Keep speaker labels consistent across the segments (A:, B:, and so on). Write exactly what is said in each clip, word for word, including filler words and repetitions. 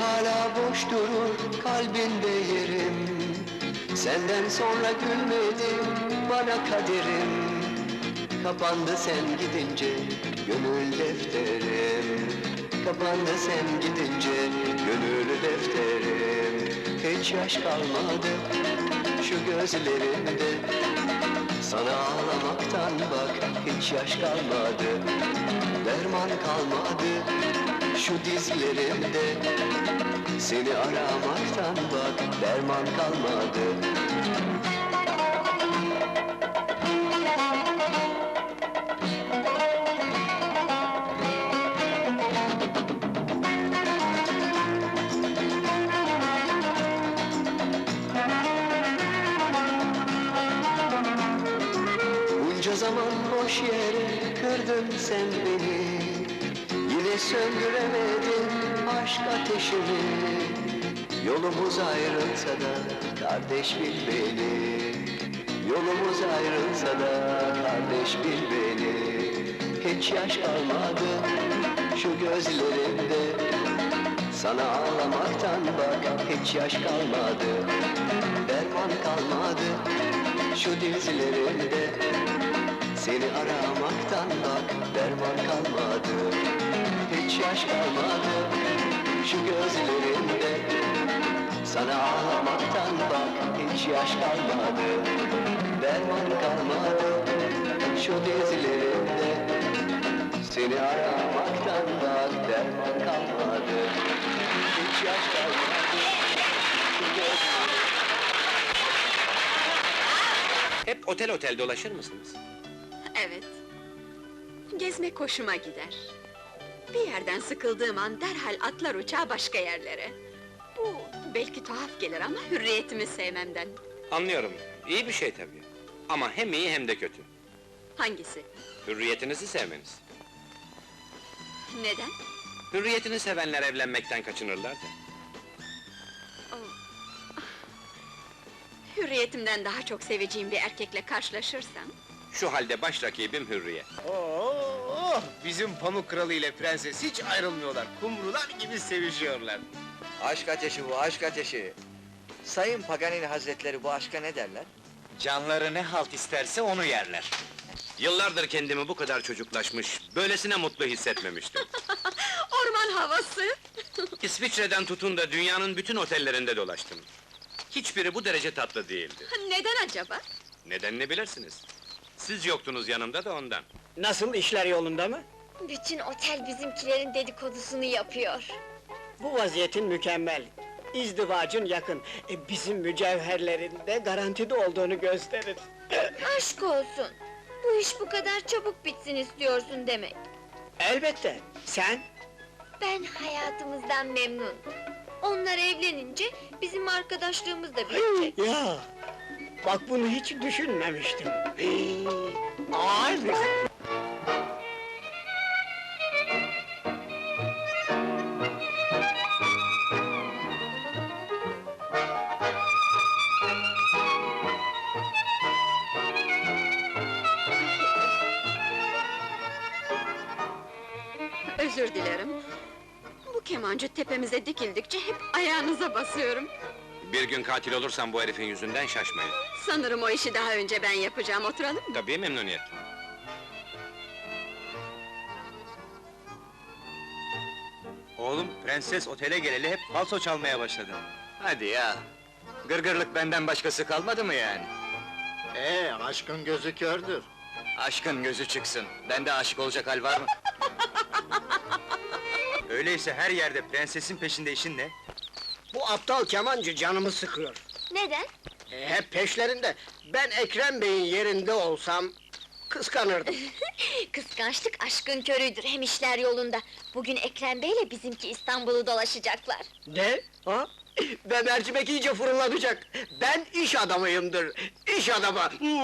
A: hala boş durur kalbinde yerim. Senden sonra gülmedim bana kaderim. Kapandı sen gidince gönül defterim. Kapandı sen gidince gönül defterim. Hiç yaş kalmadı şu gözlerimde. Sana ağlamaktan bak hiç yaş kalmadı. Derman kalmadı şu dizlerimde. Seni aramaktan bak derman kalmadı. Bunca zaman boş yere kırdın sen beni. Yine söndüremedin aşk ateşimi. Yolumuz ayrılsa da kardeş bil beni. Yolumuz ayrılsa da kardeş bil beni. Hiç yaş kalmadı şu gözlerimde. Sana ağlamaktan bak hiç yaş kalmadı. Derman kalmadı şu dizlerimde. Seni aramaktan bak derman kalmadı. Hiç yaş kalmadı şu gözlerimde. Sana ağlamaktan bak hiç yaş kalmadı. Derman kalmadı şu dizlerimde. Seni aramaktan bak derman kalmadı. Hiç yaş kalmadı şu gözlerimde.
B: Hep otel otel dolaşır mısınız?
C: Evet. Gezmek hoşuma gider. Bir yerden sıkıldığım an derhal atlar uçağa başka yerlere. Bu belki tuhaf gelir ama hürriyetimi sevmemden.
B: Anlıyorum, iyi bir şey tabii. Ama hem iyi hem de kötü.
C: Hangisi?
B: Hürriyetinizi sevmeniz.
C: Neden?
B: Hürriyetini sevenler evlenmekten kaçınırlar da.
C: Hürriyetimden daha çok seveceğim bir erkekle karşılaşırsam...
B: Şu halde baş rakibim Hürriyet.
D: Oo, bizim Pamuk Kralı ile Prenses hiç ayrılmıyorlar. Kumrular gibi sevişiyorlar.
E: Aşk ateşi bu, aşk ateşi! Sayın Paganini Hazretleri bu aşka ne derler?
D: Canları ne halt isterse onu yerler.
B: Yıllardır kendimi bu kadar çocuklaşmış, böylesine mutlu hissetmemiştim.
C: Orman havası!
B: İsviçre'den tutun da dünyanın bütün otellerinde dolaştım. Hiçbiri bu derece tatlı değildi.
C: Neden acaba?
B: Nedenini bilirsiniz. Siz yoktunuz yanımda da ondan.
F: Nasıl, işler yolunda mı?
G: Bütün otel bizimkilerin dedikodusunu yapıyor.
F: Bu vaziyetin mükemmel. İzdivacın yakın. E, bizim mücevherlerin de garantide olduğunu gösterir.
G: Aşk olsun! Bu iş bu kadar çabuk bitsin istiyorsun demek.
F: Elbette, sen?
G: Ben hayatımızdan memnun. Onlar evlenince bizim arkadaşlığımız da bitecek.
F: Ya, bak bunu hiç düşünmemiştim. Ay!
C: Özür dilerim. Bu kemancı tepemize dikildikçe hep ayağınıza basıyorum.
B: Bir gün katil olursam bu herifin yüzünden şaşmayın.
C: Sanırım o işi daha önce ben yapacağım, oturalım mı?
B: Tabii memnuniyetle.
D: Oğlum, Prenses otele geleli hep falso çalmaya başladı.
E: Hadi ya! Gırgırlık benden başkası kalmadı mı yani?
H: Ee, aşkın gözü kördür.
E: Aşkın gözü çıksın, bende aşık olacak hal var mı?
D: Öyleyse her yerde prensesin peşinde işin ne?
F: Bu aptal kemancı canımı sıkıyor.
G: Neden?
F: E, hep peşlerinde. Ben Ekrem Bey'in yerinde olsam... kıskanırdım.
G: Kıskançlık aşkın körüdür, hem işler yolunda. Bugün Ekrem Bey'le bizimki İstanbul'u dolaşacaklar.
F: Ne? Ha? Ve mercimek iyice fırlanacak. Ben iş adamıyımdır. İş adamı.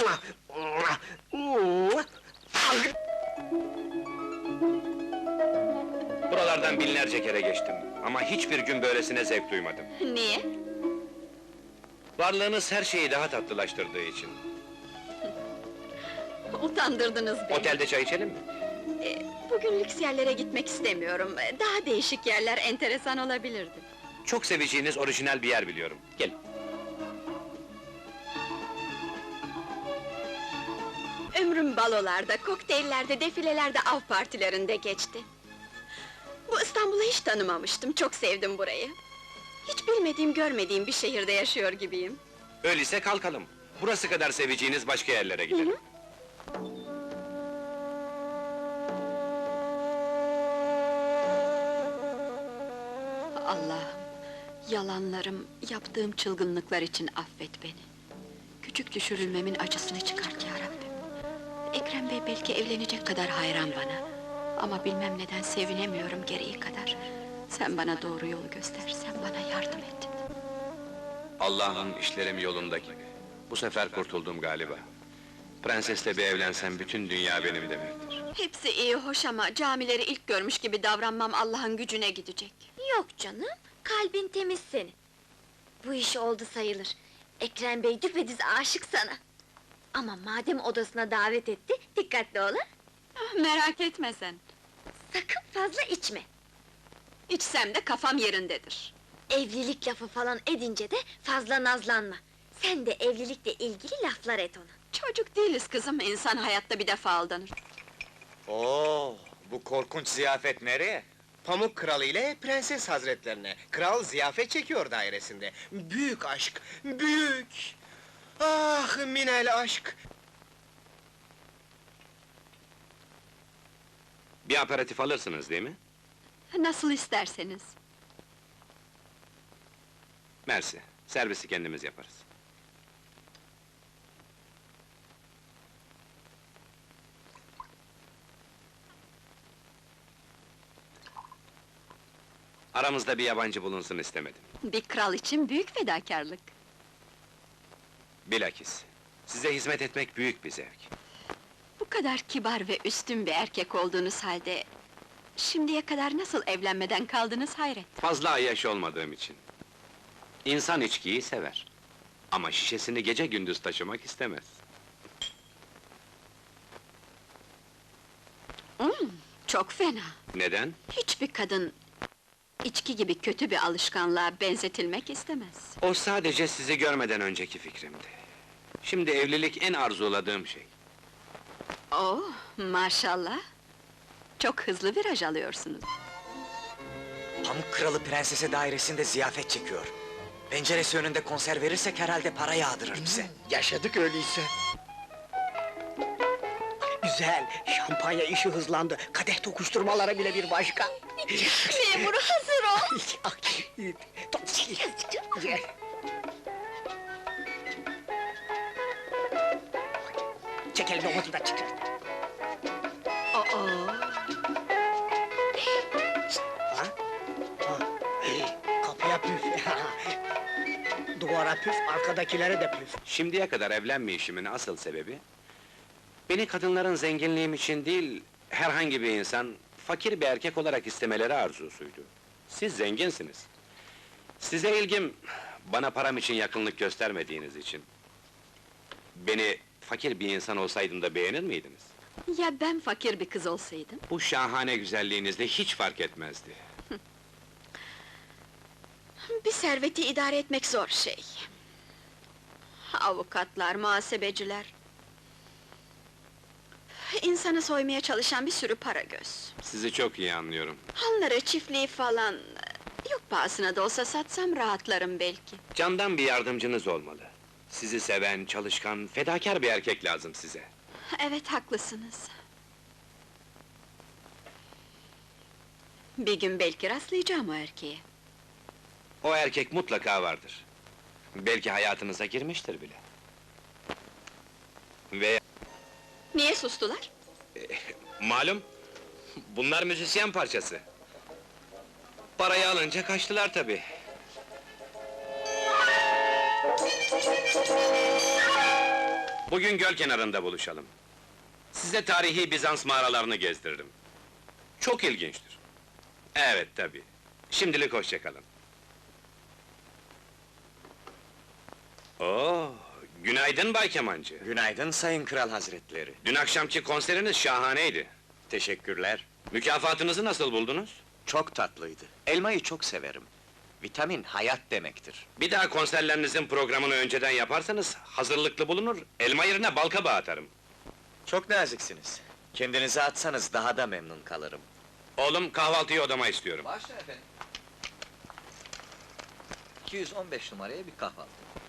B: Buralardan binlerce kere geçtim. Ama hiçbir gün böylesine zevk duymadım.
C: Niye?
B: Varlığınız her şeyi daha tatlılaştırdığı için.
C: Utandırdınız beni.
B: Otelde çay içelim mi?
C: Ee, bugün lüks yerlere gitmek istemiyorum. Daha değişik yerler enteresan olabilirdi.
B: Çok seveceğiniz orijinal bir yer biliyorum. Gelin.
C: Ömrüm balolarda, kokteyllerde, defilelerde, av partilerinde geçti. Bu İstanbul'u hiç tanımamıştım, çok sevdim burayı. Hiç bilmediğim, görmediğim bir şehirde yaşıyor gibiyim.
B: Öyleyse kalkalım. Burası kadar seveceğiniz başka yerlere gidelim.
C: Allah'ım, yalanlarım, yaptığım çılgınlıklar için affet beni. Küçük düşürülmemin acısını çıkart ya Rabbim. Ekrem Bey belki evlenecek kadar hayran bana. Ama bilmem neden sevinemiyorum gereği kadar. Sen bana doğru yolu göster, sen bana yardım et.
B: Allah'ım işlerim yolunda gibi. Bu sefer kurtuldum galiba. Prensesle bir evlensem bütün dünya benim demektir.
C: Hepsi iyi, hoş ama camileri ilk görmüş gibi davranmam Allah'ın gücüne gidecek.
G: Yok canım, kalbin temiz senin. Bu iş oldu sayılır. Ekrem Bey düpedüz aşık sana. Ama madem odasına davet etti, dikkatli ol ha!
C: Ah, merak etme sen.
G: Sakın fazla içme.
C: İçsem de kafam yerindedir.
G: Evlilik lafı falan edince de fazla nazlanma. Sen de evlilikle ilgili laflar et ona.
C: Çocuk değiliz kızım, insan hayatta bir defa aldanır.
I: Oo, bu korkunç ziyafet nereye?
D: Pamuk Kralı ile Prenses Hazretlerine. Kral ziyafet çekiyor dairesinde. Büyük aşk, büyük! Ah, minel aşk!
B: Bir aperatif alırsınız değil mi?
C: Nasıl isterseniz.
B: Mersi, servisi kendimiz yaparız. Aramızda bir yabancı bulunsun istemedim.
C: Bir kral için büyük fedakarlık.
B: Bilakis, size hizmet etmek büyük bir zevk.
C: Bu kadar kibar ve üstün bir erkek olduğunuz halde... ...şimdiye kadar nasıl evlenmeden kaldınız hayret.
B: Fazla ayyaş olmadığım için. İnsan içkiyi sever. Ama şişesini gece gündüz taşımak istemez.
C: Hmm, çok fena.
B: Neden?
C: Hiçbir kadın... ...içki gibi kötü bir alışkanlığa benzetilmek istemez.
B: O sadece sizi görmeden önceki fikrimdi. Şimdi evlilik en arzuladığım şey.
C: Oh, maşallah! Çok hızlı viraj alıyorsunuz.
I: Pamuk Kralı Prensese dairesinde ziyafet çekiyor. Penceresi önünde konser verirsek herhalde para yağdırır bize.
F: Yaşadık öyleyse. Güzel, şampanya işi hızlandı. Kadeh tokuşturmalara bile bir başka.
G: Memur hazır ol!
F: Çek elini omuzundan çık.
C: Aa,
F: Ha? Ha. Kapıya püf. Duvara püf, arkadakilere de püf.
B: Şimdiye kadar evlenmeyişimin asıl sebebi... ...beni kadınların zenginliğim için değil... ...herhangi bir insan, fakir bir erkek olarak istemeleri arzusuydu. Siz zenginsiniz. Size ilgim, bana param için yakınlık göstermediğiniz için. Beni fakir bir insan olsaydım da beğenir miydiniz?
C: ya ben fakir bir kız olsaydım?
B: Bu şahane güzelliğinizle hiç fark etmezdi.
C: Bir serveti idare etmek zor şey. Avukatlar, muhasebeciler... ...İnsanı soymaya çalışan bir sürü para göz.
B: Sizi çok iyi anlıyorum.
C: Hanları, çiftliği falan... ...yok pahasına da olsa satsam rahatlarım belki.
B: Candan bir yardımcınız olmalı. Sizi seven, çalışkan, fedakar bir erkek lazım size.
C: Evet, haklısınız. Bir gün belki rastlayacağım o erkeğe.
B: O erkek mutlaka vardır. Belki hayatınıza girmiştir bile. Ve
C: Niye sustular?
B: malum, bunlar müzisyen parçası. Parayı alınca kaçtılar tabii. Bugün göl kenarında buluşalım. Size tarihi Bizans mağaralarını gezdiririm. Çok ilginçtir. Evet tabii. Şimdilik hoşça kalın. Oo, günaydın Bay Kemancı.
I: Günaydın Sayın Kral Hazretleri.
B: Dün akşamki konseriniz şahaneydi.
I: Teşekkürler.
B: Mükafatınızı nasıl buldunuz?
I: Çok tatlıydı. Elmayı çok severim. Vitamin hayat demektir.
B: Bir daha konserlerinizin programını önceden yaparsanız, hazırlıklı bulunur, elma yerine bal kabağı atarım.
I: Çok naziksiniz. Kendinize atsanız daha da memnun kalırım.
B: Oğlum, kahvaltıyı odama istiyorum.
E: Başla efendim. iki yüz on beş numaraya bir kahvaltı.